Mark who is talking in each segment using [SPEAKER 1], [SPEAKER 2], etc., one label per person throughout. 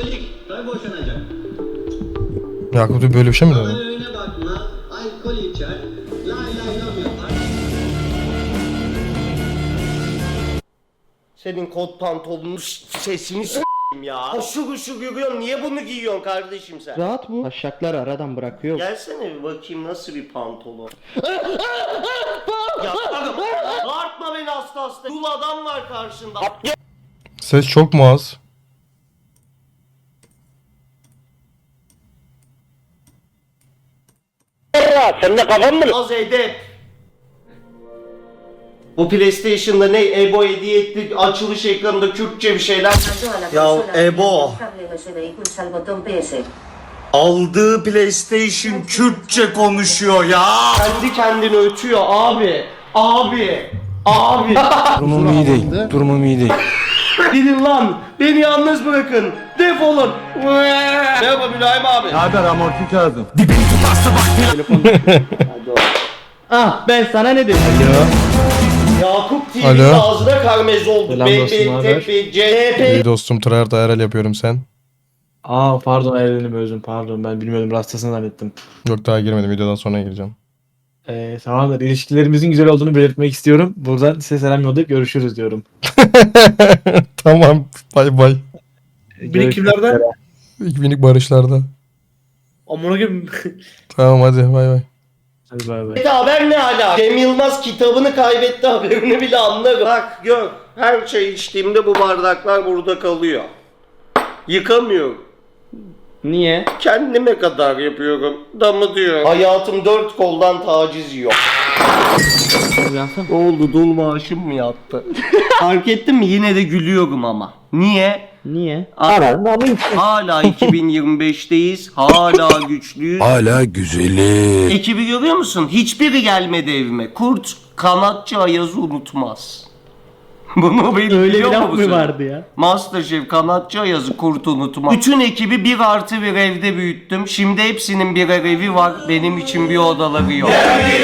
[SPEAKER 1] alkolik. Tabii boşanacak.
[SPEAKER 2] Yakup böyle bir şey mi
[SPEAKER 1] Ama
[SPEAKER 2] dedi?
[SPEAKER 1] öyle bakma. Alkol içer. Lay lay lam yapar.
[SPEAKER 3] Senin kot pantolonun sesini s***im ya. Aşık uşuk yürüyorsun. Niye bunu giyiyorsun kardeşim sen?
[SPEAKER 4] Rahat bu. Taşaklar aradan bırakıyor.
[SPEAKER 3] Gelsene bir bakayım nasıl bir pantolon. Ya bağırtma beni hasta hasta. Dul adam var karşında.
[SPEAKER 2] Ses çok mu az?
[SPEAKER 3] Sen de kafan mı? Az edep. Bu PlayStation'da ne Ebo hediye etti açılış ekranında Kürtçe bir şeyler. Ya Ebo. Aldığı PlayStation Kürtçe konuşuyor ya. Kendi kendini ötüyor abi. Abi. Abi.
[SPEAKER 5] Durumum iyi değil. Durumum iyi değil.
[SPEAKER 3] Gidin lan. Beni yalnız bırakın. Defolun. Merhaba Mülayim abi.
[SPEAKER 5] Ne haber amorti kağıdım?
[SPEAKER 4] Ah ben sana ne dedim?
[SPEAKER 3] Yakup TV'nin
[SPEAKER 2] Alo.
[SPEAKER 3] ağzına karmez oldu.
[SPEAKER 4] Selam dostum, haber?
[SPEAKER 2] İyi dostum Tryhard ayarel yapıyorum sen.
[SPEAKER 6] Aa pardon Eren'im özüm pardon ben bilmiyordum rastasını zannettim.
[SPEAKER 2] Yok daha girmedim videodan sonra gireceğim.
[SPEAKER 6] Tamamdır ilişkilerimizin güzel olduğunu belirtmek istiyorum. Buradan size selam yollayıp görüşürüz diyorum.
[SPEAKER 2] Tamam bay bay.
[SPEAKER 6] Birikimlerden?
[SPEAKER 2] İlk minik barışlarda.
[SPEAKER 6] Amına gibi.
[SPEAKER 2] Tamam hadi bay bay.
[SPEAKER 6] Hadi bay bay.
[SPEAKER 3] Bir haber ne hala? Cem Yılmaz kitabını kaybetti haberini bile anlarım. Bak gör. Her çay içtiğimde bu bardaklar burada kalıyor. Yıkamıyorum.
[SPEAKER 4] Niye?
[SPEAKER 3] Kendime kadar yapıyorum. Damı diyor. Hayatım dört koldan taciz yiyor.
[SPEAKER 4] Uyansam.
[SPEAKER 3] Ne oldu dul maaşım mı yattı? Fark ettin mi? Yine de gülüyorum ama. Niye?
[SPEAKER 4] Niye?
[SPEAKER 3] Hala 2025'teyiz. Hala güçlüyüz.
[SPEAKER 5] Hala güzelim.
[SPEAKER 3] Ekibi görüyor musun? Hiçbiri gelmedi evime. Kurt kanatçı Ayaz'ı unutmaz. Bunu
[SPEAKER 4] Öyle bir
[SPEAKER 3] biliyor
[SPEAKER 4] laf
[SPEAKER 3] musun?
[SPEAKER 4] mı vardı ya?
[SPEAKER 3] Masterchef kanatçı Ayaz'ı kurt unutmaz. Bütün ekibi 1+1 evde büyüttüm. Şimdi hepsinin birer evi var. Benim için bir odaları yok.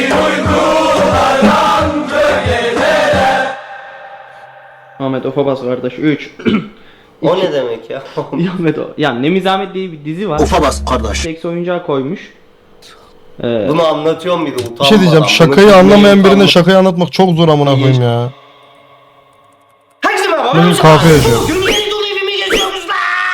[SPEAKER 4] Ahmet Ofabas kardeş 3.
[SPEAKER 3] O ne demek ya?
[SPEAKER 4] Ahmet o. Ya Nemizamet diye bir dizi var.
[SPEAKER 5] Ufabas kardeş.
[SPEAKER 4] Seks oyuncağı koymuş.
[SPEAKER 3] Bunu anlatıyorum bir de utanmadan.
[SPEAKER 2] Bir şey diyeceğim
[SPEAKER 3] Bunu
[SPEAKER 2] şakayı
[SPEAKER 3] bilmeyi
[SPEAKER 2] anlamayan birine
[SPEAKER 3] utanmadan.
[SPEAKER 2] şakayı anlatmak çok zor amına koyayım ya.
[SPEAKER 3] Herkese merhaba.
[SPEAKER 2] Benim kahve yazıyor.
[SPEAKER 3] Bugün yeni dolu evimi geziyoruz lan.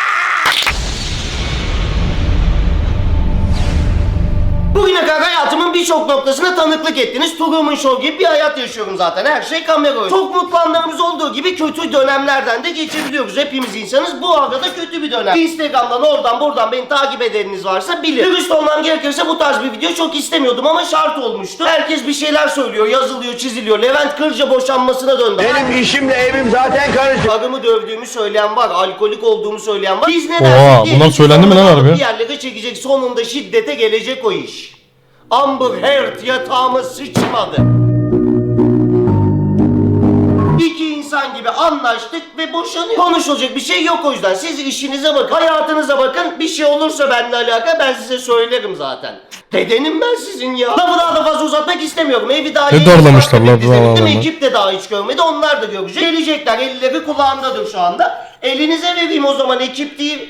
[SPEAKER 3] Bugüne kadar hayatımın birçok noktasına tanıklık ettiniz. Truman Show gibi bir hayat yaşıyorum zaten. Her şey kamera oyunu. Çok mutlu anlarımız olduğu gibi kötü dönemlerden de geçebiliyoruz. Hepimiz insanız. Bu arada kötü bir dönem. Instagram'dan oradan buradan beni takip edeniniz varsa bilir. Dürüst olmam gerekirse bu tarz bir video çok istemiyordum ama şart olmuştu. Herkes bir şeyler söylüyor, yazılıyor, çiziliyor. Levent Kırca boşanmasına döndü.
[SPEAKER 5] Benim işimle evim zaten karışık.
[SPEAKER 3] Karımı dövdüğümü söyleyen var, alkolik olduğumu söyleyen var. Biz ne
[SPEAKER 2] Oha,
[SPEAKER 3] dersek diyelim
[SPEAKER 2] bunlar
[SPEAKER 3] ki
[SPEAKER 2] söylendi mi lan
[SPEAKER 3] sonunda
[SPEAKER 2] harbi?
[SPEAKER 3] Bir yerlere çekecek, sonunda şiddete gelecek o iş. Amber Heard yatağıma sıçmadı. İki insan gibi anlaştık ve boşanıyor. Konuşulacak bir şey yok o yüzden. Siz işinize bakın, hayatınıza bakın. Bir şey olursa benimle alakalı ben size söylerim zaten. Dedenim ben sizin ya. Lafı daha da fazla uzatmak istemiyorum. Evi daha
[SPEAKER 2] Ne
[SPEAKER 3] yeni
[SPEAKER 2] darlamışlar
[SPEAKER 3] yaptık.
[SPEAKER 2] lan
[SPEAKER 3] Biz
[SPEAKER 2] bu
[SPEAKER 3] de bittim.
[SPEAKER 2] adamlar.
[SPEAKER 3] Ekip de daha hiç görmedi. Onlar da görecek. Gelecekler. Elleri kulağındadır şu anda. Elinize vereyim o zaman ekip değil.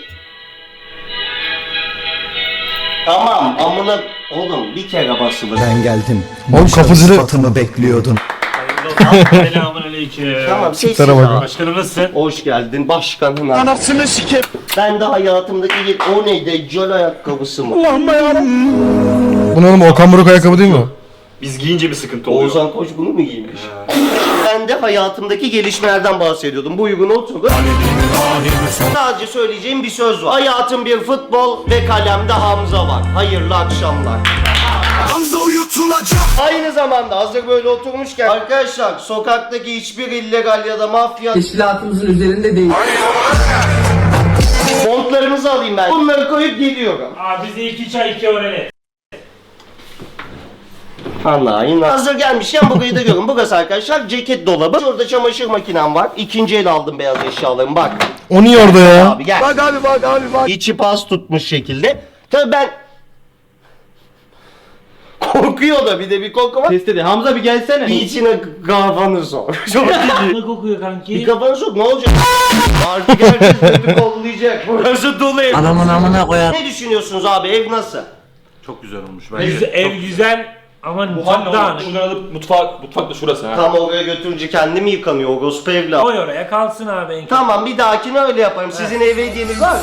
[SPEAKER 3] Tamam amına oğlum bir kere basılır.
[SPEAKER 7] Ben geldim.
[SPEAKER 2] Oğlum kapı zili.
[SPEAKER 7] Sıfatımı bekliyordun.
[SPEAKER 8] Selamünaleyküm.
[SPEAKER 3] Tamam sessiz
[SPEAKER 2] Tiplere bak.
[SPEAKER 3] abi.
[SPEAKER 8] Başkanım nasılsın?
[SPEAKER 3] Hoş geldin başkanım.
[SPEAKER 5] Anasını sikeyim.
[SPEAKER 3] Ben de hayatımdaki ilk o neydi? Deccal ayakkabısı mı?
[SPEAKER 2] Bu ne oğlum Okan Buruk ayakkabı değil mi?
[SPEAKER 8] Biz giyince bir sıkıntı oluyor.
[SPEAKER 3] Oğuzhan Koç bunu mu giymiş? Ben de hayatımdaki gelişmelerden bahsediyordum. Buyurun oturun. Sadece söyleyeceğim bir söz var. Hayatım bir futbol ve kalemde Hamza var. Hayırlı akşamlar.
[SPEAKER 5] Hamza uyutulacak.
[SPEAKER 3] Aynı zamanda hazır böyle oturmuşken arkadaşlar sokaktaki hiçbir illegal ya da mafya
[SPEAKER 9] Teşkilatımızın üzerinde değil.
[SPEAKER 3] montlarınızı alayım ben. Bunları koyup geliyorum.
[SPEAKER 8] Abi bize 2 çay 2 öğreni.
[SPEAKER 3] Allah'ın hazır gelmişken burayı da görün. Burası arkadaşlar ceket dolabı. Şurada çamaşır makinem var. İkinci el aldım beyaz eşyalarımı bak.
[SPEAKER 2] O niye orada ya?
[SPEAKER 3] Abi gel.
[SPEAKER 5] Bak abi bak abi bak.
[SPEAKER 3] İçi pas tutmuş şekilde. Tabii ben Kokuyor da bir de bir koku var.
[SPEAKER 4] Test dedi. Hamza bir gelsene.
[SPEAKER 3] Bir içine kafanı sok. Çok iyi.
[SPEAKER 8] Ne kokuyor kanki?
[SPEAKER 3] Bir kafanı sok ne olacak? Artık herkes bir kollayacak. Burası dolu ev.
[SPEAKER 5] Anamın amına koyar.
[SPEAKER 3] Ne düşünüyorsunuz abi ev nasıl?
[SPEAKER 7] Çok güzel olmuş
[SPEAKER 8] Ev güzel ama çok dağınık.
[SPEAKER 7] Şuradan alıp mutfak da şurası ha.
[SPEAKER 3] Tam oraya götürünce kendi mi yıkanıyor o gospevla?
[SPEAKER 8] Koy oraya kalsın abi. En
[SPEAKER 3] Tamam bir dahakine öyle yaparım. Sizin ev hediyeniz var mı?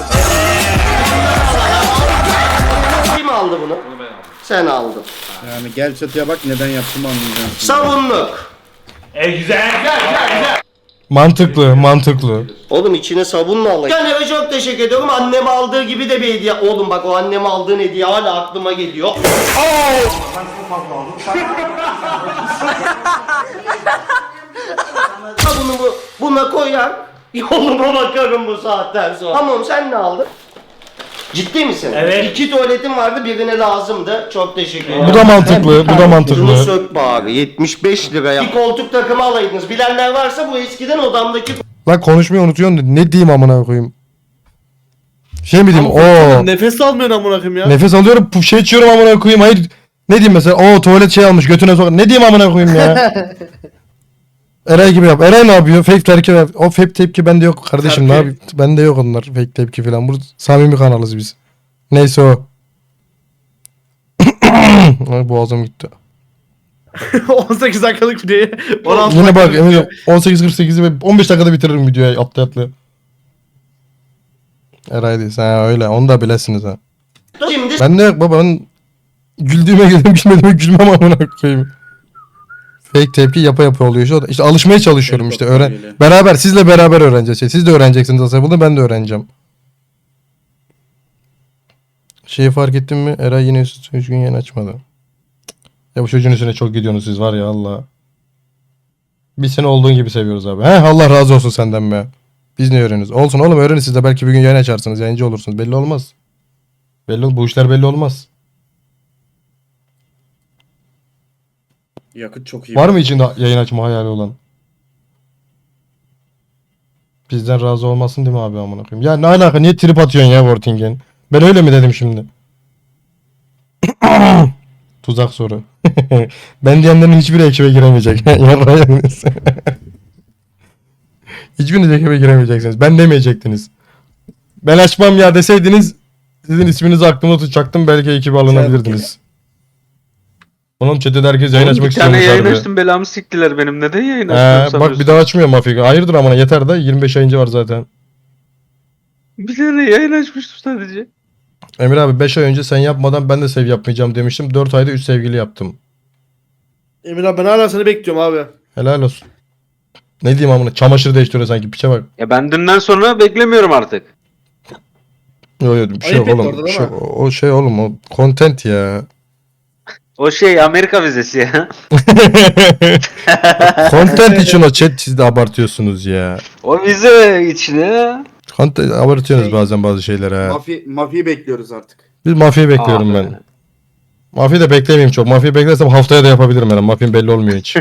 [SPEAKER 3] Kim aldı bunu?
[SPEAKER 7] Bunu ben aldım.
[SPEAKER 3] Sen aldın.
[SPEAKER 9] Yani gel çatıya bak neden yaptığımı anlayacaksın.
[SPEAKER 3] Savunluk.
[SPEAKER 8] Ev güzel.
[SPEAKER 2] Mantıklı, mantıklı.
[SPEAKER 3] Oğlum içine sabunla alayım. Yani eve çok teşekkür ediyorum. Annem aldığı gibi de bir hediye. Oğlum bak o annem aldığın hediye hala aklıma geliyor. Ha bunu buna koyar. Yoluma bakarım bu saatten sonra. Tamam sen ne aldın? Ciddi misin?
[SPEAKER 8] Evet.
[SPEAKER 3] 2 tuvaletim vardı birine lazımdı. Çok teşekkür ederim.
[SPEAKER 2] Bu da mantıklı, bu da
[SPEAKER 3] Şunu
[SPEAKER 2] mantıklı.
[SPEAKER 3] sök bari 75 liraya. Bir koltuk takımı alaydınız. Bilenler varsa bu eskiden odamdaki
[SPEAKER 2] Lan konuşmayı unutuyorsun da ne diyeyim amına koyayım. Şey mi diyeyim? Oo.
[SPEAKER 9] Nefes almıyorsun amına koyayım ya.
[SPEAKER 2] Nefes alıyorum, şey içiyorum amına koyayım. Hayır. Ne diyeyim mesela? Oo tuvalet şey almış götüne sok. Ne diyeyim amına koyayım ya? Eray gibi yap. Eray ne yapıyor? Fake tepki yap. O fake tepki bende yok kardeşim. Ne yapayım? Bende yok onlar. Fake tepki falan. Burada samimi kanalız biz. Neyse o. Ay, boğazım gitti.
[SPEAKER 9] 18 dakikalık videoyu 16
[SPEAKER 2] Yine bak
[SPEAKER 9] dakikalık
[SPEAKER 2] eminim
[SPEAKER 9] video.
[SPEAKER 2] 18.48'i ve 15 dakikada bitiririm videoyu atlı atlı. Eray değil sen öyle onu da bilesiniz ha.
[SPEAKER 3] Şimdi
[SPEAKER 2] Ben de yok baba ben güldüğüme güldüm gülmediğime gülmem amına koyayım. Fake tepki yapa yapa oluyor işte. İşte alışmaya çalışıyorum işte öğren. Beraber sizle beraber öğreneceğiz. Siz de öğreneceksiniz aslında bunu ben de öğreneceğim. Şeyi fark ettin mi? Eray yine 3 gün yayın açmadı. Ya bu çocuğun üstüne çok gidiyorsunuz siz var ya Allah. Biz seni olduğun gibi seviyoruz abi. He Allah razı olsun senden be. Biz ne öğreniyoruz? Olsun oğlum öğrenin siz de belki bir gün yayın açarsınız. Yayıncı olursunuz. Belli olmaz. Bu işler belli olmaz.
[SPEAKER 9] Yakıt çok iyi.
[SPEAKER 2] Var mı içinde yayın açma hayali olan? Bizden razı olmasın değil mi abi amına koyayım? Ya ne alaka niye trip atıyorsun ya Vortingen? Ben öyle mi dedim şimdi? Tuzak soru. Ben diyenlerin hiçbiri ekibe giremeyecek. Yarrayınız. Hiçbiriniz ekibe giremeyeceksiniz. Ben demeyecektiniz. Ben açmam ya deseydiniz sizin isminizi aklımda tutacaktım. Belki ekibe alınabilirdiniz. Onun chat'te herkes yayın açmak
[SPEAKER 10] Bir tane
[SPEAKER 2] istiyormuş
[SPEAKER 10] yayın
[SPEAKER 2] harbi.
[SPEAKER 10] açtım belamı siktiler benim. Neden yayın açtım
[SPEAKER 2] Bak bir daha açmıyor Mafika. Hayırdır amına yeter de 25 yayıncı var zaten.
[SPEAKER 10] Bir tane yayın açmıştım sadece.
[SPEAKER 2] Emir abi 5 ay önce sen yapmadan ben de sev yapmayacağım demiştim. 4 ayda 3 sevgili yaptım.
[SPEAKER 9] Emir abi ben hala seni bekliyorum abi.
[SPEAKER 2] Helal olsun. Ne diyeyim amına çamaşır değiştiriyor sanki piçe bak.
[SPEAKER 10] Ya ben dünden sonra beklemiyorum artık.
[SPEAKER 2] Yok bir şey
[SPEAKER 9] Ayıp
[SPEAKER 2] yok
[SPEAKER 9] etti
[SPEAKER 2] oğlum.
[SPEAKER 9] orada
[SPEAKER 2] Bir
[SPEAKER 9] değil
[SPEAKER 2] şey
[SPEAKER 9] mi?
[SPEAKER 2] yok. O şey oğlum o content ya.
[SPEAKER 10] O şey Amerika vizesi ya.
[SPEAKER 2] Content için o chat siz de abartıyorsunuz ya.
[SPEAKER 10] O vize içine.
[SPEAKER 2] Content abartıyorsunuz bazen bazı şeyler ha.
[SPEAKER 9] Mafyayı bekliyoruz artık.
[SPEAKER 2] Biz mafyayı bekliyorum ben. Mafyayı da beklemeyeyim çok. Mafyayı beklersem haftaya da yapabilirim yani. Mafyam belli olmuyor hiç.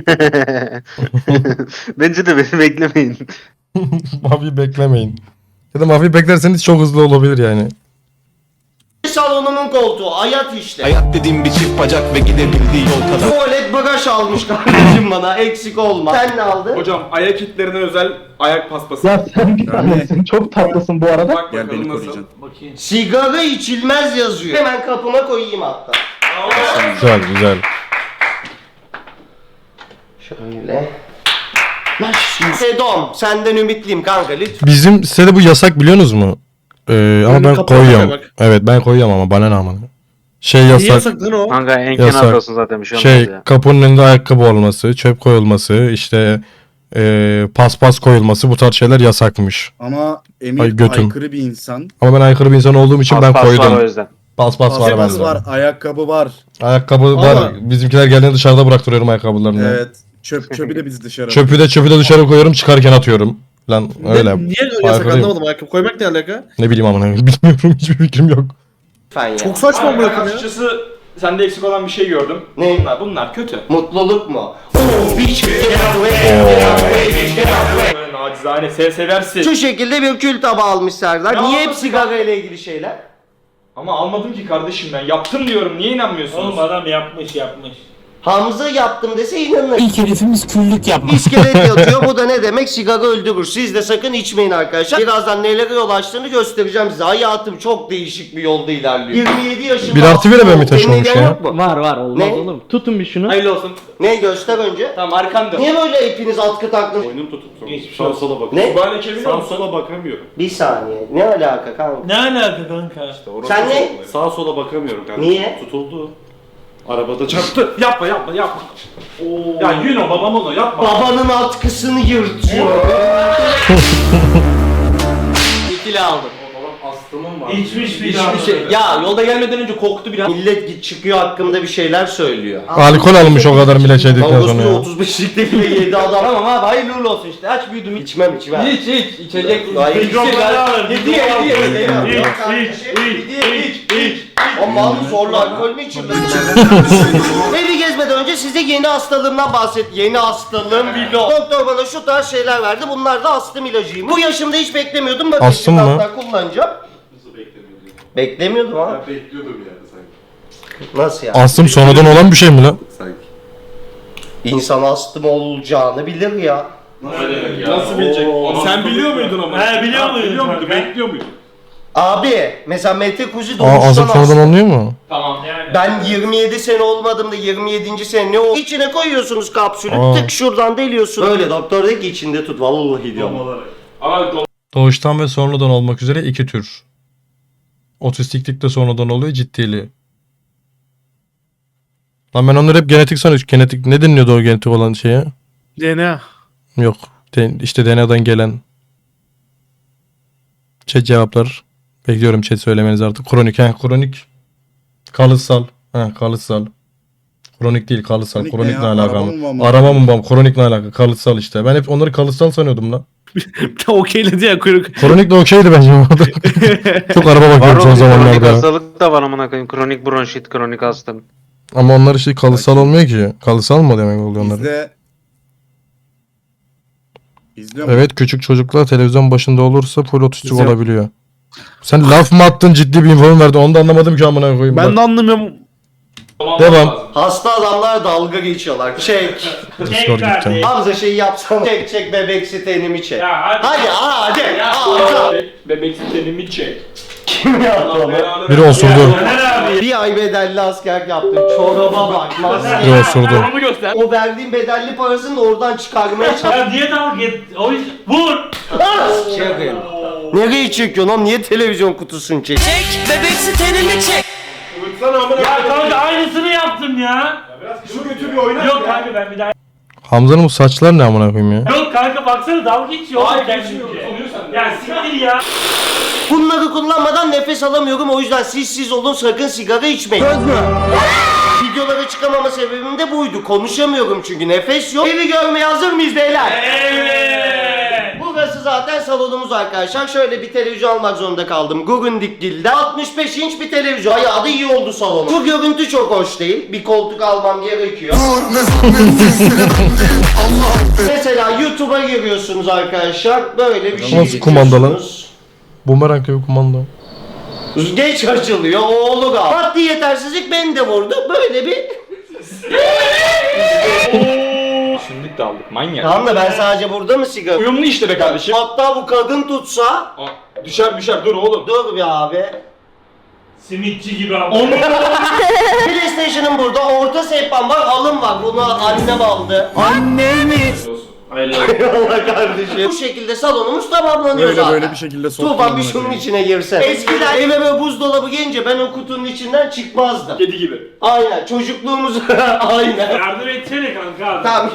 [SPEAKER 10] Bence de beni beklemeyin.
[SPEAKER 2] Mafyayı beklemeyin. Ya da mafyayı beklerseniz çok hızlı olabilir yani.
[SPEAKER 3] salonunun koltuğu hayat işte.
[SPEAKER 5] Hayat dediğim bir çift bacak ve gidebildiği yol kadar.
[SPEAKER 3] Tuvalet bagaj almış kardeşim bana eksik olma. Sen ne aldın?
[SPEAKER 7] Hocam ayak itlerine özel ayak paspası.
[SPEAKER 6] Ya sen bir tanesin. Çok tatlısın bu arada.
[SPEAKER 7] Bak
[SPEAKER 9] Gel
[SPEAKER 7] bakalım
[SPEAKER 9] beni
[SPEAKER 7] nasıl.
[SPEAKER 9] koruyacaksın.
[SPEAKER 8] Bakayım.
[SPEAKER 3] Sigara içilmez yazıyor. Hemen kapıma koyayım hatta.
[SPEAKER 2] Güzel güzel.
[SPEAKER 3] Şöyle. Sedom senden ümitliyim kanka lütfen.
[SPEAKER 2] Bizim sitede bu yasak biliyorsunuz mu? Ama ben
[SPEAKER 9] kapağına
[SPEAKER 2] koyuyorum.
[SPEAKER 9] bak.
[SPEAKER 2] Evet ben koyuyorum ama bana ne ama. Şey
[SPEAKER 9] Niye
[SPEAKER 2] yasak.
[SPEAKER 9] yasak lan o?
[SPEAKER 10] Kanka en
[SPEAKER 2] Yasak.
[SPEAKER 10] kenardasın zaten bir şey olmaz
[SPEAKER 2] Şey
[SPEAKER 10] ya.
[SPEAKER 2] kapının önünde ayakkabı olması, çöp koyulması, işte paspas koyulması bu tarz şeyler yasakmış.
[SPEAKER 9] Ama Emir
[SPEAKER 2] Ay, götüm.
[SPEAKER 9] aykırı bir insan.
[SPEAKER 2] Ama ben aykırı bir insan olduğum için ben
[SPEAKER 10] Pas var o
[SPEAKER 2] koydum.
[SPEAKER 10] yüzden.
[SPEAKER 2] Paspas var
[SPEAKER 9] Paspas
[SPEAKER 2] bende.
[SPEAKER 9] var, ayakkabı var.
[SPEAKER 2] Ayakkabı var. Bizimkiler geldiğinde dışarıda bıraktırıyorum ayakkabılarını.
[SPEAKER 9] Evet. Çöpü de biz dışarı.
[SPEAKER 2] Çöpü de dışarı koyuyorum çıkarken atıyorum. Lan öyle.
[SPEAKER 9] Niye yasak
[SPEAKER 2] Aykırı.
[SPEAKER 9] anlamadım. Ayakkabı koymak ne alaka?
[SPEAKER 2] Ne bileyim amına. Bilmiyorum hiçbir fikrim yok.
[SPEAKER 3] Lütfen ya.
[SPEAKER 9] Çok saçma
[SPEAKER 7] Ben
[SPEAKER 9] bırakın ya.
[SPEAKER 7] açıkçası sende eksik olan bir şey gördüm.
[SPEAKER 3] Ne?
[SPEAKER 7] Bunlar kötü.
[SPEAKER 3] Mutluluk mu? Oh, bitch, get away.
[SPEAKER 7] Böyle nacizane seversin.
[SPEAKER 3] Şu şekilde bir kül tabağı almış Serdar.
[SPEAKER 7] Ya
[SPEAKER 3] Niye hep
[SPEAKER 7] nasıl
[SPEAKER 3] sigara ile ilgili şeyler?
[SPEAKER 7] Ama almadım ki kardeşim ben. Yaptım diyorum. Niye inanmıyorsunuz?
[SPEAKER 8] Oğlum adam yapmış.
[SPEAKER 3] Hamza yaptım dese inanır.
[SPEAKER 5] İlk herifimiz küllük yapmış.
[SPEAKER 3] İskelet yatıyor. Bu da ne demek? Sigara öldürür. Siz de sakın içmeyin arkadaşlar. Birazdan nelere yol açtığını göstereceğim size. Hayatım çok değişik bir yolda ilerliyor. 27 yaşında.
[SPEAKER 2] Bir artı bile ben mi taşımamış
[SPEAKER 3] Senin
[SPEAKER 2] ya?
[SPEAKER 3] yok mu?
[SPEAKER 4] Var olmaz
[SPEAKER 3] Ne?
[SPEAKER 4] oğlum. Tutun bir şunu.
[SPEAKER 7] Hayırlı olsun.
[SPEAKER 3] Ne göster önce.
[SPEAKER 7] Tamam arkanda.
[SPEAKER 3] Niye böyle hepiniz atkı taktınız?
[SPEAKER 9] Boynum tutup sonra.
[SPEAKER 7] Geçmiş
[SPEAKER 9] Sağa
[SPEAKER 7] olsun.
[SPEAKER 9] sola bak.
[SPEAKER 3] Ne?
[SPEAKER 7] Mübarek biliyor
[SPEAKER 9] Sağa
[SPEAKER 7] musun?
[SPEAKER 9] sola bakamıyorum.
[SPEAKER 3] Bir saniye. Ne alaka kanka?
[SPEAKER 8] Ne alaka kanka?
[SPEAKER 3] Sen ne?
[SPEAKER 9] Sağa sola bakamıyorum kardeşim.
[SPEAKER 3] Niye?
[SPEAKER 9] Tutuldu. Arabada çarptı.
[SPEAKER 7] Yapma. Ya Yuno babam onu yapma.
[SPEAKER 3] Babanın atkısını yırtıyor.
[SPEAKER 4] İkili aldım.
[SPEAKER 7] Astımım var.
[SPEAKER 8] İçmiş bir daha.
[SPEAKER 4] Ya yolda gelmeden önce koktu biraz.
[SPEAKER 3] Millet git çıkıyor hakkında bir şeyler söylüyor.
[SPEAKER 2] Alkol almış o kadar bile çedikten sonra
[SPEAKER 3] Ağustos'ta
[SPEAKER 2] ya.
[SPEAKER 3] 35'likte bile yedi adam.
[SPEAKER 4] Tamam abi hayırlı uğurlu olsun işte. Aç büyüdüm.
[SPEAKER 3] İçmem.
[SPEAKER 4] İç içecek.
[SPEAKER 3] Hayır.
[SPEAKER 8] Mikrofonları alır.
[SPEAKER 4] Hediye.
[SPEAKER 8] İç.
[SPEAKER 3] Ama zorla alkol mü içiyor? Evi gezmeden önce size yeni hastalığımdan bahset. Yeni hastalığım vlog. Doktor bana şu tarz şeyler verdi. Bunlar da astım ilacıymış. Bu yaşımda hiç beklemiyordum. Bakın
[SPEAKER 2] Astım
[SPEAKER 3] şimdi
[SPEAKER 2] mı?
[SPEAKER 3] hatta kullanacağım.
[SPEAKER 9] Nasıl beklemiyordun?
[SPEAKER 3] Beklemiyordum ha.
[SPEAKER 9] Ben bekliyordum yani sanki.
[SPEAKER 3] Nasıl ya?
[SPEAKER 2] Astım sonradan olan bir şey mi lan?
[SPEAKER 9] Sanki.
[SPEAKER 3] İnsan astım olacağını bilir ya.
[SPEAKER 7] Nasıl bilecek? Sen biliyor muydun ama?
[SPEAKER 8] He, biliyor muydun
[SPEAKER 7] Biliyor muydun?
[SPEAKER 8] kanka?
[SPEAKER 7] Bekliyor muydun?
[SPEAKER 3] Abi mesela Mete Kuzi
[SPEAKER 2] Aa
[SPEAKER 3] doğuştan
[SPEAKER 2] astım sonradan
[SPEAKER 3] astım.
[SPEAKER 2] oluyor mu?
[SPEAKER 7] Tamam.
[SPEAKER 8] Yani.
[SPEAKER 3] Ben 27 sene olmadım da 27. sene ne o? İçine koyuyorsunuz kapsülü,
[SPEAKER 2] Aa.
[SPEAKER 3] tık şuradan deliyorsun. Öyle doktor dedi ki içinde tut vallahi diyorum.
[SPEAKER 7] Ama
[SPEAKER 2] Doğuştan ve sonradan olmak üzere iki tür. Otistiklik de sonradan oluyor, ciddiliği. Lan ben onları hep genetik sanıyorum. Genetik ne deniliyordu o genetik olan şeye?
[SPEAKER 10] DNA.
[SPEAKER 2] Yok. İşte DNA'dan gelen cevaplar. Bekliyorum chat söylemeniz artık. Kronik. Kronik. Kalıtsal. Kalıtsal. Kronik değil kalıtsal.
[SPEAKER 9] Kronik ne
[SPEAKER 2] Kronik ne
[SPEAKER 9] ya?
[SPEAKER 2] alaka
[SPEAKER 9] Araba mı
[SPEAKER 2] mı?
[SPEAKER 9] var?
[SPEAKER 2] Araba mı bam? Kronik ne alaka? Kalıtsal işte. Ben hep onları kalıtsal sanıyordum lan.
[SPEAKER 10] Okeyledi ya kuyruk.
[SPEAKER 2] Kronik de okeydi bence. Çok araba bakıyorum son
[SPEAKER 10] Kronik
[SPEAKER 2] zamanlarda. ya.
[SPEAKER 10] hastalık da var amına koyayım. Kronik bronşit, kronik astım.
[SPEAKER 2] Ama onlar işte kalıtsal olmuyor ki. Kalıtsal mı demek oluyor onlar?
[SPEAKER 9] İzle. İzliyor musun?
[SPEAKER 2] Evet küçük çocuklar televizyon başında olursa full otistik
[SPEAKER 10] Güzel.
[SPEAKER 2] olabiliyor. Sen laf mı attın ciddi bir info verdin onu da anlamadım ki amına koyayım.
[SPEAKER 10] Ben
[SPEAKER 2] Bak.
[SPEAKER 10] de anlamıyorum.
[SPEAKER 2] Devam.
[SPEAKER 3] Hasta adamlar dalga geçiyorlar. Çek.
[SPEAKER 2] Discord gideceğim.
[SPEAKER 3] Hamza şeyi yapsana. Çek bebeksi tenimi çek.
[SPEAKER 8] Ya hadi.
[SPEAKER 3] Hadi.
[SPEAKER 7] bebek sistemimi çek.
[SPEAKER 3] Kim yaptı onu?
[SPEAKER 2] Biri osurdu.
[SPEAKER 8] Caner abi.
[SPEAKER 3] Bir ay bedelli askerlik yaptım. Çoraba bak.
[SPEAKER 2] Biri
[SPEAKER 3] Maske.
[SPEAKER 2] osurdu.
[SPEAKER 7] Onu göster.
[SPEAKER 3] O verdiğim bedelli parasını da oradan çıkarmaya çalışıyorum.
[SPEAKER 8] Ya niye dalga et? O yüzden vur.
[SPEAKER 3] Nereye çekiyorsun oğlum? Niye televizyon kutusunu çek?
[SPEAKER 7] Vurtsana amına.
[SPEAKER 8] Ya kanka aynısını yaptım ya.
[SPEAKER 7] Şu kötü bir oyna.
[SPEAKER 8] Yok kanka ben bir daha.
[SPEAKER 2] Hamza'nın bu saçlar ne amına koyayım ya?
[SPEAKER 8] Yok kanka baksana dalga geçiyor.
[SPEAKER 7] Hayır,
[SPEAKER 8] oğlum
[SPEAKER 7] geçmiyor.
[SPEAKER 8] kendince.
[SPEAKER 7] Oluyor sende.
[SPEAKER 8] Ya siktir ya.
[SPEAKER 3] Bunları kullanmadan nefes alamıyorum. O yüzden siz olun, sakın sigara içmeyin. Söz mü? Videolara çıkamama sebebim de buydu. Konuşamıyorum çünkü nefes yok. Evi görmeye hazır mıyız beyler?
[SPEAKER 8] Evet.
[SPEAKER 3] Burası zaten salonumuz arkadaşlar. Şöyle bir televizyon almak zorunda kaldım. Gugundikgil'de 65 inç bir televizyon. Bayağı da iyi oldu salon. Bu görüntü çok hoş değil. Bir koltuk almam gerekiyor. Mesela YouTube'a giriyorsunuz arkadaşlar. Böyle bir şey
[SPEAKER 2] Nasıl kumanda lan?
[SPEAKER 3] geçiyorsunuz.
[SPEAKER 2] Bumerang gibi kumanda.
[SPEAKER 3] Geç açılıyor, oğlu da. Maddi yetersizlik beni de vurdu. Böyle bir...
[SPEAKER 7] Şimdilik de aldık manyak.
[SPEAKER 3] Tamam da ben sadece burada mı sigara?
[SPEAKER 7] Uyumlu işte be kardeşim.
[SPEAKER 3] Hatta bu kadın tutsa...
[SPEAKER 7] Aa, düşer dur oğlum.
[SPEAKER 3] Dur bir abi.
[SPEAKER 8] Simitçi gibi ama.
[SPEAKER 3] PlayStation'ın burada orta sehpan var, halım var. Bunu annem aldı. Allah kardeşim. Bu şekilde salonumuz tamamlanıyor
[SPEAKER 9] Böyle
[SPEAKER 3] zaten.
[SPEAKER 9] böyle bir şekilde soktum.
[SPEAKER 3] Tufan bir şunun içine girse. Eskiden eve böyle buzdolabı gelince ben o kutunun içinden çıkmazdım.
[SPEAKER 7] Kedi gibi.
[SPEAKER 3] Aynen çocukluğumuz aynen.
[SPEAKER 8] Yardım etsene kanka abi.
[SPEAKER 3] Tamam.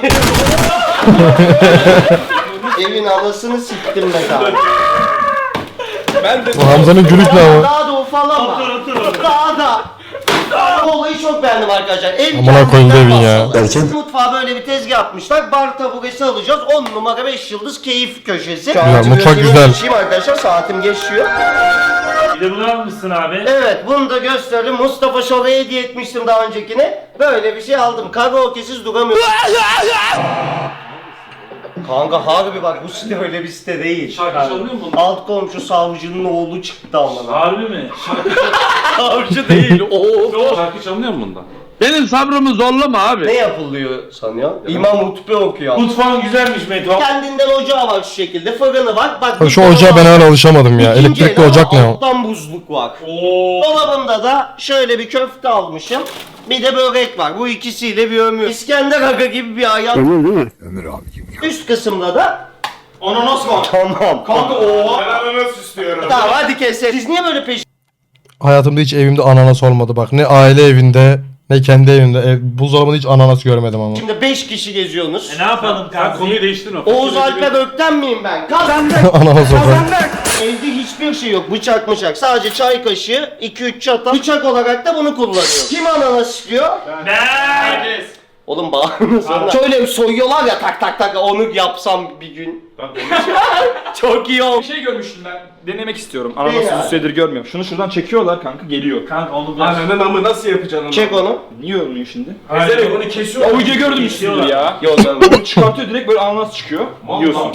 [SPEAKER 3] Evin anasını siktim be kanka.
[SPEAKER 7] Ben de
[SPEAKER 2] O Hamza'nın gülük ne ama?
[SPEAKER 3] Daha da ufalama.
[SPEAKER 8] Otur.
[SPEAKER 3] Daha da. Bu olayı çok beğendim arkadaşlar. Ev
[SPEAKER 2] Amına koyayım
[SPEAKER 3] kendinden
[SPEAKER 2] evin ya.
[SPEAKER 3] bahsediyor. Mutfağa böyle bir tezgah yapmışlar. Bar taburesi alacağız. 10 numara 5 yıldız keyif köşesi.
[SPEAKER 2] Güzel, mutfak güzel.
[SPEAKER 3] Geçeyim arkadaşlar, saatim geçiyor.
[SPEAKER 8] Bir de bunu almışsın abi.
[SPEAKER 3] Evet, bunu da gösterelim. Mustafa Şov'a hediye etmiştim daha öncekine. Böyle bir şey aldım. Karaoke'siz duramıyorum. Kanka harbi bak bu site öyle bir site değil.
[SPEAKER 7] Şarkı çalınıyor mu bunun?
[SPEAKER 3] Alt komşu savcının oğlu çıktı amına.
[SPEAKER 8] Harbi mi?
[SPEAKER 3] Savcı değil oğlu.
[SPEAKER 7] Şarkı çalınıyor mu bunda?
[SPEAKER 10] Benim sabrımı zorlama abi.
[SPEAKER 3] Ne yapılıyor sanıyor? İmam hutbe okuyor.
[SPEAKER 8] Mutfağın güzelmiş Meto.
[SPEAKER 3] Kendinden ocağı var şu şekilde. Fırını var. Bak
[SPEAKER 2] Abi şu ocağa ben hala alışamadım ya.
[SPEAKER 3] İkinci
[SPEAKER 2] Elektrikli
[SPEAKER 3] el
[SPEAKER 2] ocak
[SPEAKER 3] ama
[SPEAKER 2] ne o?
[SPEAKER 3] alttan buzluk var.
[SPEAKER 8] Oo.
[SPEAKER 3] Dolabımda da şöyle bir köfte almışım. Bir de börek var. Bu ikisiyle bir ömür. İskender Aga gibi bir hayat. Ömür değil mi? Ömür abi gibi. Üst kısımda da
[SPEAKER 7] Ananas var.
[SPEAKER 3] tamam.
[SPEAKER 7] Kanka oha. Ben ananas istiyorum.
[SPEAKER 3] Tamam hadi keselim. Siz niye böyle peşin?
[SPEAKER 2] Hayatımda hiç evimde ananas olmadı bak. Ne aile evinde ne kendi evimde. Buzdolabında hiç ananas görmedim ama.
[SPEAKER 3] Şimdi 5 kişi geziyorsunuz.
[SPEAKER 8] Ne yapalım
[SPEAKER 7] Sen
[SPEAKER 8] kanka?
[SPEAKER 7] konuyu değiştirme.
[SPEAKER 3] Oğuz Alper Ökten miyim ben? Kazandık.
[SPEAKER 2] Ananas oldu.
[SPEAKER 3] Kazandık. Evde hiçbir şey yok. Bıçak bıçak. Sadece çay kaşığı, 2-3 çatal. Bıçak olarak da bunu kullanıyorum. Kim ananas istiyor?
[SPEAKER 8] Ben.
[SPEAKER 3] Oğlum bağırmasana. Şöyle bir soyuyorlar ya tak tak tak onu yapsam bir gün. Çok iyi olmuş.
[SPEAKER 11] Bir şey görmüştüm ben. Denemek istiyorum.
[SPEAKER 3] Ne ya?
[SPEAKER 11] Ananası uzun süredir görmüyorum. Şunu şuradan çekiyorlar kanka geliyor.
[SPEAKER 8] Kanka onu biraz.
[SPEAKER 7] Ananın amı nasıl yapacaksın onu?
[SPEAKER 3] Çek onu.
[SPEAKER 11] Niye olmuyor şimdi?
[SPEAKER 7] Ezerek onu kesiyor.
[SPEAKER 11] Ya ucu gördüm üstünü ya.
[SPEAKER 3] Yok ben
[SPEAKER 11] Bunu çıkartıyor direkt böyle ananas çıkıyor. Yiyorsun.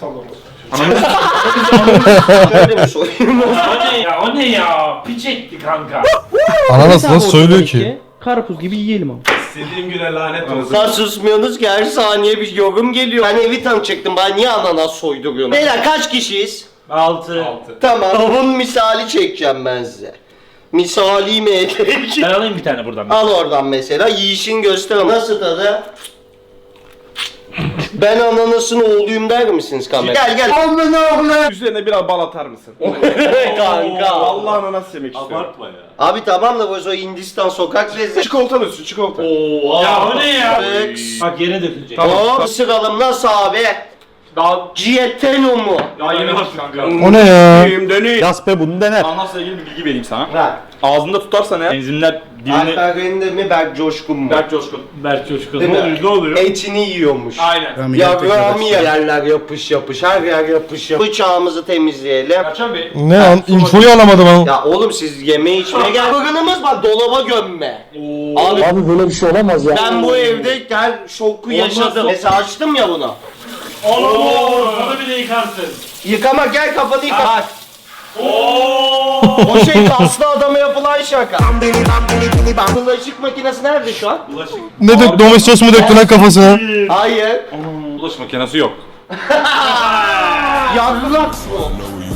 [SPEAKER 3] şöyle bir soyayım.
[SPEAKER 8] O ne ya? O ne ya? Piç etti kanka.
[SPEAKER 2] Ananas nasıl söylüyor ki?
[SPEAKER 4] Karpuz gibi yiyelim ama.
[SPEAKER 7] İstediğim güne lanet olsun.
[SPEAKER 3] Sen susmuyorsunuz ki her saniye bir yorum geliyor. Ben evi tanıyacaktım. Bana niye ananas soyduruyorsun? Beyler kaç kişiyiz?
[SPEAKER 8] 6.
[SPEAKER 3] Tamam. Tavuğun misali çekeceğim ben size. Misali mi edecek?
[SPEAKER 8] Ben alayım bir tane buradan.
[SPEAKER 3] Al oradan mesela. Yiyişin göster. Nasıl tadı? Ben ananasın oğluyum der misiniz kamera? Gel gel. Amına oğlum.
[SPEAKER 11] Üzerine biraz bal atar mısın?
[SPEAKER 3] Kanka.
[SPEAKER 11] Vallahi ananas yemek istiyorum.
[SPEAKER 7] Abartma ya.
[SPEAKER 3] Abi tamam da bu o Hindistan sokak lezzeti.
[SPEAKER 11] Çikolata üstü çikolata.
[SPEAKER 8] Ya o ne ya?
[SPEAKER 3] Fix.
[SPEAKER 8] Bak yere dökülecek.
[SPEAKER 3] Hop sıralım nasıl abi?
[SPEAKER 11] Daha
[SPEAKER 3] Cieteno mu?
[SPEAKER 11] daha yeni bak kanka.
[SPEAKER 2] O ne ya?
[SPEAKER 11] Dönüyor.
[SPEAKER 5] Yas be bunu dener.
[SPEAKER 11] Ananasla ilgili bir bilgi vereyim sana.
[SPEAKER 3] Ver.
[SPEAKER 11] Ağzında tutarsan eğer enzimler dilini...
[SPEAKER 3] Alper Rende mi Berk Coşkun mu?
[SPEAKER 11] Berk Coşkun.
[SPEAKER 8] Berk Coşkun.
[SPEAKER 3] Değil
[SPEAKER 8] Ne
[SPEAKER 3] mi?
[SPEAKER 8] oluyor? Ne oluyor?
[SPEAKER 3] Etini yiyormuş.
[SPEAKER 11] Aynen.
[SPEAKER 3] Ya Rami yerler yapış yapış, her yer yapış yapış. Bıçağımızı temizleyelim.
[SPEAKER 11] Erçan Bey.
[SPEAKER 2] Ne an? Infoyu alamadım ama.
[SPEAKER 3] Ya oğlum siz yeme içmeye gel. Fırınımız var dolaba gömme. Abi
[SPEAKER 5] böyle bir şey olamaz ya.
[SPEAKER 3] ben bu evde her şoku yaşadım. Mesela açtım ya bunu.
[SPEAKER 8] Oo, bunu bile yıkarsın.
[SPEAKER 3] Yıkama gel kafanı yıka. Bak.
[SPEAKER 8] Oo.
[SPEAKER 3] O şey kaslı adama yapılan şaka. Bulaşık makinesi nerede şu an?
[SPEAKER 2] Ne dök? Domates sos mu döktün lan kafasına?
[SPEAKER 3] Hayır.
[SPEAKER 7] Bulaş makinesi yok.
[SPEAKER 3] Yargılak bu.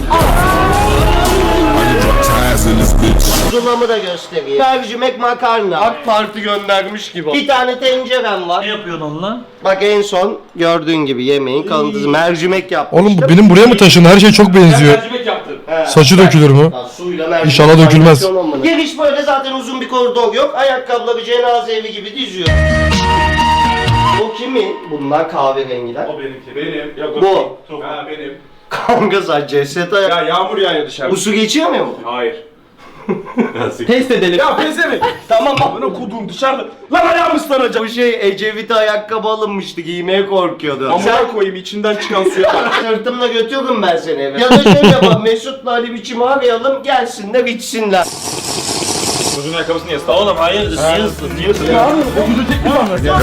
[SPEAKER 3] Zula'mı da göstereyim. Mercimek makarna. AK Parti göndermiş gibi. Bir tane tencerem var.
[SPEAKER 8] Ne yapıyorsun onunla?
[SPEAKER 3] Bak en son gördüğün gibi yemeğin kalıntısı mercimek yapmıştım.
[SPEAKER 2] Oğlum bu benim buraya mı taşındı? Her şey çok benziyor.
[SPEAKER 11] Mercimek yaptın.
[SPEAKER 2] Saçı dökülür mü?
[SPEAKER 3] Ya, suyla mercimek
[SPEAKER 2] İnşallah dökülmez.
[SPEAKER 3] kaynatıyorsun amına. Giriş böyle zaten uzun bir koridor yok. Ayakkabıları cenaze evi gibi diziyor. Bu kimin? Bunlar kahverengiler.
[SPEAKER 7] O benimki. Benim. Ya,
[SPEAKER 3] Bu.
[SPEAKER 7] Ha benim.
[SPEAKER 3] Kanka sen ceset ayak.
[SPEAKER 11] Ya yağmur yağıyor dışarıda.
[SPEAKER 3] Bu su geçiyor mu?
[SPEAKER 7] Hayır.
[SPEAKER 11] Test edelim. Ya pezevenk.
[SPEAKER 3] Tamam.
[SPEAKER 11] Bana kudum dışarıda. Lan ayağım ıslanacak.
[SPEAKER 3] Bu şey Ecevit'e ayakkabı alınmıştı. Giymeye korkuyordu.
[SPEAKER 11] Amına koyayım içinden çıkan suya bak.
[SPEAKER 3] Sırtımla götürürüm ben seni eve. Ya da şöyle yapalım. Mesut'la Ali biçimi arayalım. Gelsinler içsinler.
[SPEAKER 11] Çocuğun ayakkabısını niye ıslat?
[SPEAKER 8] Oğlum hayırdır? Niye ısın?
[SPEAKER 11] Niye ıslat? O güdü tek mi anlatıyor?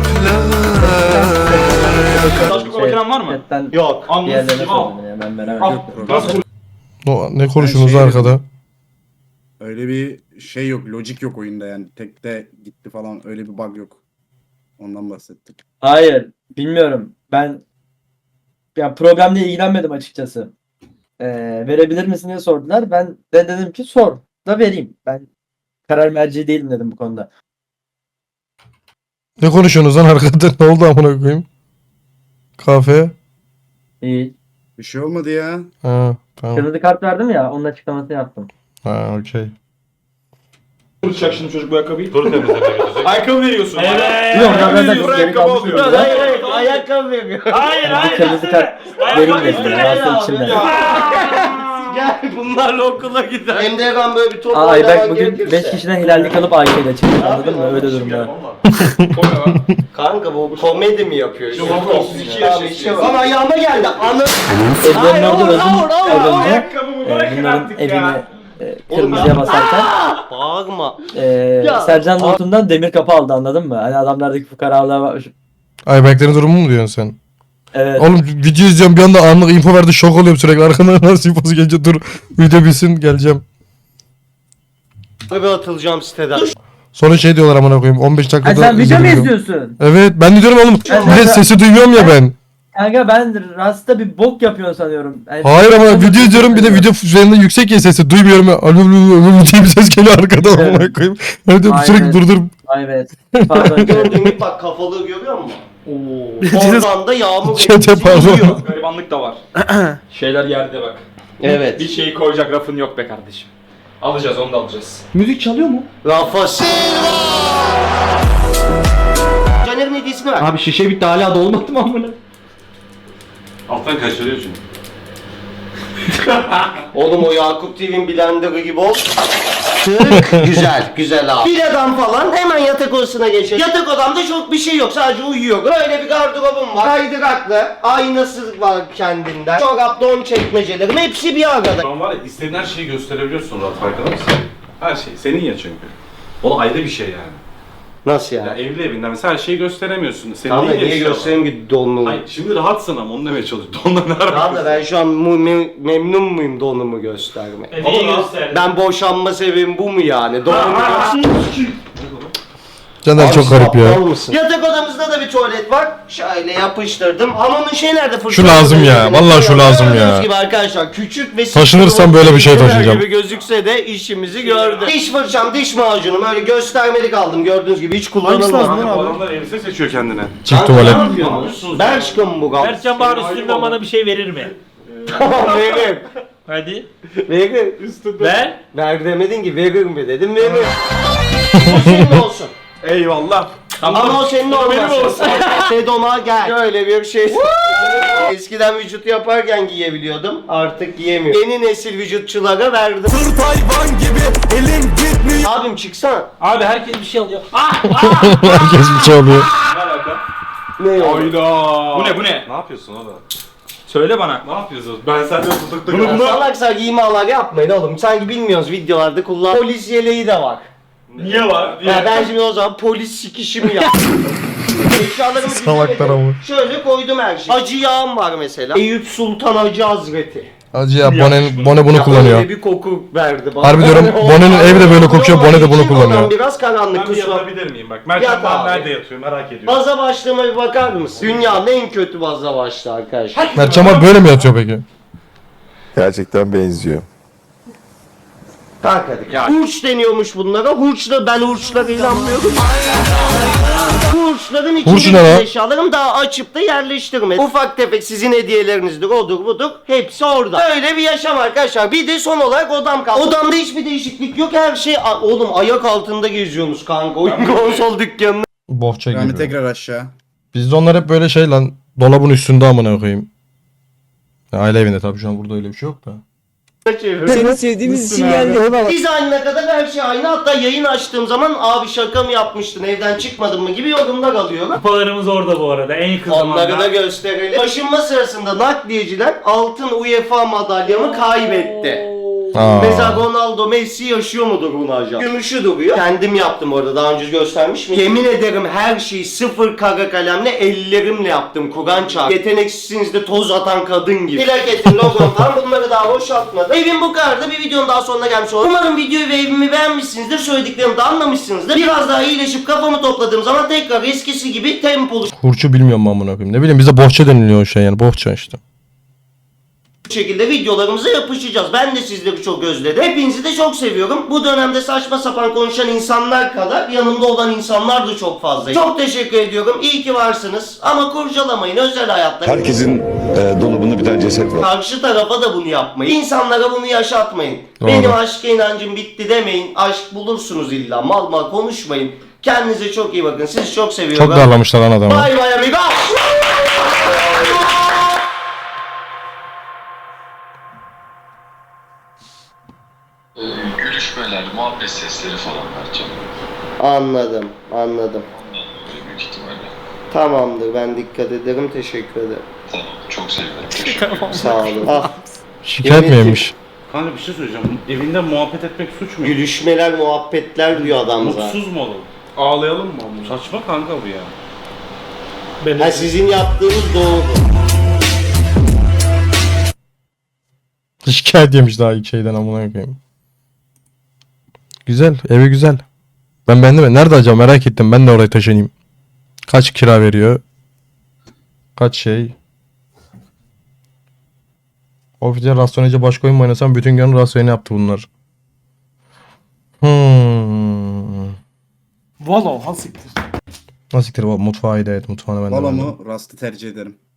[SPEAKER 11] Taş koku makinen var mı?
[SPEAKER 3] Yok.
[SPEAKER 11] Anlasın gibi al. Nasıl
[SPEAKER 2] Ne konuşuyorsunuz arkada?
[SPEAKER 9] Öyle bir şey yok, lojik yok oyunda yani. Tekte gitti falan öyle bir bug yok. Ondan bahsettik.
[SPEAKER 4] Hayır, bilmiyorum. Ben ya programla ilgilenmedim açıkçası. Verebilir misin diye sordular. Ben de dedim ki sor da vereyim. Ben karar merci değilim dedim bu konuda.
[SPEAKER 2] Ne konuşuyorsunuz lan arkada? Ne oldu amına koyayım? Kahve.
[SPEAKER 4] İyi.
[SPEAKER 9] Bir şey olmadı ya.
[SPEAKER 2] Ha tamam.
[SPEAKER 4] Kırmızı kart verdim ya, onun açıklamasını yaptım.
[SPEAKER 2] Ha okey.
[SPEAKER 11] Tutacak şimdi çocuk bu ayakkabıyı?
[SPEAKER 7] Dur temizlemeye götürecek.
[SPEAKER 11] Ayakkabı veriyorsun.
[SPEAKER 8] Evet.
[SPEAKER 4] Yok ya ben de
[SPEAKER 11] Veriyor, ayakkabı alıyor.
[SPEAKER 3] Yok hayır hayır. Ayakkabı veriyor.
[SPEAKER 8] Hayır hayır.
[SPEAKER 4] kırmızı kart vereyim dedim. Rahatsız içimden.
[SPEAKER 3] Gel bunlarla okula gider. Hem de ben böyle bir top
[SPEAKER 4] Ay
[SPEAKER 3] oynaman
[SPEAKER 4] bak bugün
[SPEAKER 3] gerekirse.
[SPEAKER 4] 5 kişiden helallik alıp AK'yle çıktık, anladın mı? Öyle durumda.
[SPEAKER 3] Kanka bu komedi mi yapıyor?
[SPEAKER 11] Yok,
[SPEAKER 3] Yok,
[SPEAKER 11] 32
[SPEAKER 3] tamam,
[SPEAKER 11] yaş
[SPEAKER 3] işte Ama ayağıma geldi. Anı.
[SPEAKER 4] Evlerin orada özüm az önce
[SPEAKER 11] Ayakkabı mı bırakın
[SPEAKER 4] bunların
[SPEAKER 11] artık
[SPEAKER 4] evini
[SPEAKER 11] ya.
[SPEAKER 4] kırmızıya basarken
[SPEAKER 3] Bağırma.
[SPEAKER 4] Sercan Notun'dan demir kapı aldı, anladın mı? Hani adamlardaki fukaralığa
[SPEAKER 2] Ayberklerin durumu mu diyorsun sen?
[SPEAKER 4] Evet.
[SPEAKER 2] Oğlum video izliyorum bir anda anlık info verdi şok oluyorum sürekli. Arkadan nasıl infosu gelince dur video bitsin geleceğim.
[SPEAKER 3] Bir atılacağım siteden.
[SPEAKER 2] Sonra şey diyorlar amına koyayım 15
[SPEAKER 4] Ha,
[SPEAKER 2] dakikada
[SPEAKER 4] sen video mu
[SPEAKER 2] izledim.
[SPEAKER 4] izliyorsun?
[SPEAKER 2] Evet ben de diyorum oğlum bir de sesi duymuyorum ya ben.
[SPEAKER 4] Kanka ben Rasta bir bok yapıyorsun sanıyorum. Yani
[SPEAKER 2] Hayır ama video izliyorum bir de video üzerinde yüksek ya sesi duymuyorum ya. Diye bir ses geliyor arkadan amına koyayım. Ben diyorum sürekli
[SPEAKER 4] Aynen.
[SPEAKER 2] durdur.
[SPEAKER 4] Ay evet. Pardon.
[SPEAKER 3] Gördüğün gibi bak kafalığı görüyor musun? Oradan da yağmur
[SPEAKER 2] Çete
[SPEAKER 3] etkisi
[SPEAKER 2] pardon.
[SPEAKER 3] oluyor.
[SPEAKER 11] Garibanlık da var. Şeyler yerde bak.
[SPEAKER 3] Evet.
[SPEAKER 11] Bir şeyi koyacak rafın yok be kardeşim. Alacağız onu da alacağız.
[SPEAKER 6] Müzik çalıyor mu?
[SPEAKER 3] Rafa Silva. Caner'in hediyesini ver.
[SPEAKER 6] Abi şişe bitti hala dolmadı mı amına?
[SPEAKER 7] Alttan kaçırıyor çünkü.
[SPEAKER 3] Oğlum o Yakup TV'nin blenderı gibi ol. Tık. Güzel, güzel abi. Biladan falan hemen yatak odasına geçelim. Yatak odamda çok bir şey yok, sadece uyuyor. Böyle bir gardırobum var. Kaydıraklı, aynası var kendinden. Çorap, don çekmecelerim hepsi bir arada.
[SPEAKER 7] Şu an var ya istediğin her şeyi gösterebiliyorsun rahat farkında mısın? Her şey senin ya çünkü. O ayrı bir şey yani.
[SPEAKER 3] Nasıl
[SPEAKER 7] Ya
[SPEAKER 3] yani?
[SPEAKER 7] evli evinden mesela her şeyi gösteremiyorsun. Senin
[SPEAKER 3] Tamam da
[SPEAKER 7] değil ya
[SPEAKER 3] niye
[SPEAKER 7] işte o.
[SPEAKER 3] göstereyim ki donumu?
[SPEAKER 7] Hayır şimdi rahatsın ama onu demeye çalışıyorum. Donla ne
[SPEAKER 3] Tamam da ben şu an memnun muyum donumu göstermeye?
[SPEAKER 8] Neyi göster?
[SPEAKER 3] Ben boşanma sebebim bu mu yani? Donumu
[SPEAKER 2] Caner çok garip ya.
[SPEAKER 3] Yatak odamızda da bir tuvalet var. Şöyle yapıştırdım. Ama onun şey nerede fırça?
[SPEAKER 2] Şu lazım ya, vallahi şu lazım ya.
[SPEAKER 3] Gördüğünüz gibi arkadaşlar küçük ve
[SPEAKER 2] Taşınırsam böyle bir şey taşıyacağım.
[SPEAKER 3] gibi gözükse de işimizi gördü. Diş fırçam, diş macunum öyle göstermelik aldım gördüğünüz gibi hiç kullanılmadı.
[SPEAKER 7] Bu adamlar elbise seçiyor kendine.
[SPEAKER 2] Çift tuvalet.
[SPEAKER 3] Berşkım bu gal.
[SPEAKER 8] Berkcan Bahar üstünden bana bir şey verir mi?
[SPEAKER 3] Verir.
[SPEAKER 8] Hadi.
[SPEAKER 3] Verir.
[SPEAKER 8] Ver.
[SPEAKER 3] Ver demedin ki verir mi dedim verir. O senin olsun.
[SPEAKER 7] Eyvallah.
[SPEAKER 3] Ama o senin olmasın.
[SPEAKER 8] benim olsun.
[SPEAKER 3] Sedoma gel. Şöyle bir şey. Eskiden vücut yaparken giyebiliyordum. Artık giyemiyorum. Yeni nesil vücutçulara verdim. Sırt hayvan gibi elim gitmiyor. Abim çıksana.
[SPEAKER 8] Abi herkes bir şey alıyor.
[SPEAKER 2] Herkes bir şey oluyor.
[SPEAKER 11] Ne alaka?
[SPEAKER 3] Ne oldu?
[SPEAKER 7] Hayda.
[SPEAKER 11] Bu ne?
[SPEAKER 7] Ne yapıyorsun oğlum?
[SPEAKER 11] Söyle bana.
[SPEAKER 7] Ne yapıyorsun? Ben senden tutuklu
[SPEAKER 3] Ya salak salak imalar yapmayın oğlum. Sanki bilmiyoruz videolarda kullan. Polis yeleği de var.
[SPEAKER 11] Niye var?
[SPEAKER 3] Ya ben şimdi o zaman polis sikişimi yaptım. Eşyalarımı
[SPEAKER 2] Salaklar
[SPEAKER 3] düzenedim.
[SPEAKER 2] ama.
[SPEAKER 3] Şöyle koydum her şeyi. Hacı yağım var mesela. Eyüp Sultan Hacı Hazreti.
[SPEAKER 2] Hacı ya Bone bunu kullanıyor.
[SPEAKER 3] Öyle bir koku verdi bana.
[SPEAKER 2] Harbi diyorum, Bone'nin evi de böyle kokuyor, Bone de bunu kullanıyor.
[SPEAKER 3] Odam biraz karanlık
[SPEAKER 7] Ben bir
[SPEAKER 3] kusura.
[SPEAKER 7] yatabilir miyim bak? Mertcan
[SPEAKER 3] Yat
[SPEAKER 7] ben
[SPEAKER 3] abi.
[SPEAKER 7] nerede yatıyor merak ediyorum.
[SPEAKER 3] Baza başlığıma bir bakar mısın? Dünyanın en kötü baza başlığı arkadaşlar.
[SPEAKER 2] Mert Çamar böyle mi yatıyor peki?
[SPEAKER 5] Gerçekten benziyor.
[SPEAKER 3] Kalk hadi. Hurç deniyormuş bunlara. Hurçla ben hurçlara inanmıyorum. Hurçların
[SPEAKER 2] Hurç ne lan?
[SPEAKER 3] içindeki eşyalarım daha açıp da yerleştirme. Ufak tefek sizin hediyelerinizdir, odur budur. Hepsi orada. Öyle bir yaşam arkadaşlar. Bir de son olarak odam kaldı. Odamda hiçbir değişiklik yok. Her şey oğlum ayak altında geziyorsunuz kanka. Oyun konsol dükkanında.
[SPEAKER 2] Bohça
[SPEAKER 9] Ben bir
[SPEAKER 2] gibi.
[SPEAKER 9] tekrar aşağı.
[SPEAKER 2] Bizde onlar hep böyle şey lan. Dolabın üstünde amına koyayım. Ya, aile evinde tabii şu an burada öyle bir şey yok da.
[SPEAKER 3] Seni sevdiğimiz için geldi. Dizaynına kadar her şey aynı. Hatta yayın açtığım zaman abi şaka mı yapmıştın evden çıkmadın mı gibi yorumlar alıyorum.
[SPEAKER 8] Kupalarımız orada bu arada. En yakın
[SPEAKER 3] Onları da
[SPEAKER 8] zamanda.
[SPEAKER 3] gösterelim. Taşınma sırasında nakliyeciler altın UEFA madalyamı kaybetti.
[SPEAKER 2] Aa.
[SPEAKER 3] Mesela Ronaldo, Messi yaşıyor mudur bunu acaba? Gümüşü duruyor. Kendim yaptım orada daha önce göstermiş miyim? Yemin ederim her şeyi sıfır kara kalemle ellerimle yaptım. Kur'an çarpı. Yeteneksizsiniz de toz atan kadın gibi. Plaketim, logom falan bunları daha boşaltmadım. Evim bu kadardı. Bir videonun daha sonuna gelmiş oldum. Umarım videoyu ve evimi beğenmişsinizdir. Söylediklerimi de anlamışsınızdır. Biraz daha iyileşip kafamı topladığım zaman tekrar eskisi gibi tempolu
[SPEAKER 2] Hurçu bilmiyorum ben amına koyayım. Ne bileyim bize bohça deniliyor o şey yani bohça işte.
[SPEAKER 3] şekilde videolarımıza yapışacağız. Ben de sizleri çok özledim. Hepinizi de çok seviyorum. Bu dönemde saçma sapan konuşan insanlar kadar yanımda olan insanlar da çok fazla. Çok teşekkür ediyorum. İyi ki varsınız. Ama kurcalamayın özel hayatları.
[SPEAKER 5] Herkesin dolabında bir tane ceset var.
[SPEAKER 3] Karşı tarafa da bunu yapmayın. İnsanlara bunu yaşatmayın.
[SPEAKER 2] Doğru.
[SPEAKER 3] Benim aşka inancım bitti demeyin. Aşk bulursunuz illa. Mal mal konuşmayın. Kendinize çok iyi bakın. Sizi çok seviyorum.
[SPEAKER 2] Çok darlamışlar lan adamı.
[SPEAKER 3] Bay bay amigos.
[SPEAKER 1] Görüşmeler, muhabbet sesleri falan Mertcan.
[SPEAKER 3] Anladım.
[SPEAKER 1] Ondan büyük ihtimalle.
[SPEAKER 3] Tamamdır. Ben dikkat ederim. Teşekkür ederim.
[SPEAKER 1] Tamam, çok sevinirim. Teşekkür ederim.
[SPEAKER 3] Sağ olun. Ah.
[SPEAKER 2] Şikayet mi yemiş?
[SPEAKER 7] Kanka bir şey söyleyeceğim. Evinde muhabbet etmek suç mu?
[SPEAKER 3] Gülüşmeler, muhabbetler diyor adam zaten.
[SPEAKER 7] Mutsuz mu olalım? Ağlayalım mı? Saçma kanka bu ya.
[SPEAKER 3] Ha, sizin yaptığınız doğru.
[SPEAKER 2] Şikayet yemiş daha ilk şeyden amına koyayım. Güzel, evi güzel. Ben beğendim. Nerede acaba merak ettim. Ben de oraya taşınayım. Kaç kira veriyor? Kaç şey? Ofiste rasyonelce başka oyun mu oynasam bütün gün rasyonel yaptı bunlar.
[SPEAKER 6] Valla ha siktir.
[SPEAKER 2] Nasıl siktir bu? Mutfağı evet mutfağını ben de
[SPEAKER 9] Valla
[SPEAKER 2] beğendim.
[SPEAKER 9] mı? Rust'ı tercih ederim.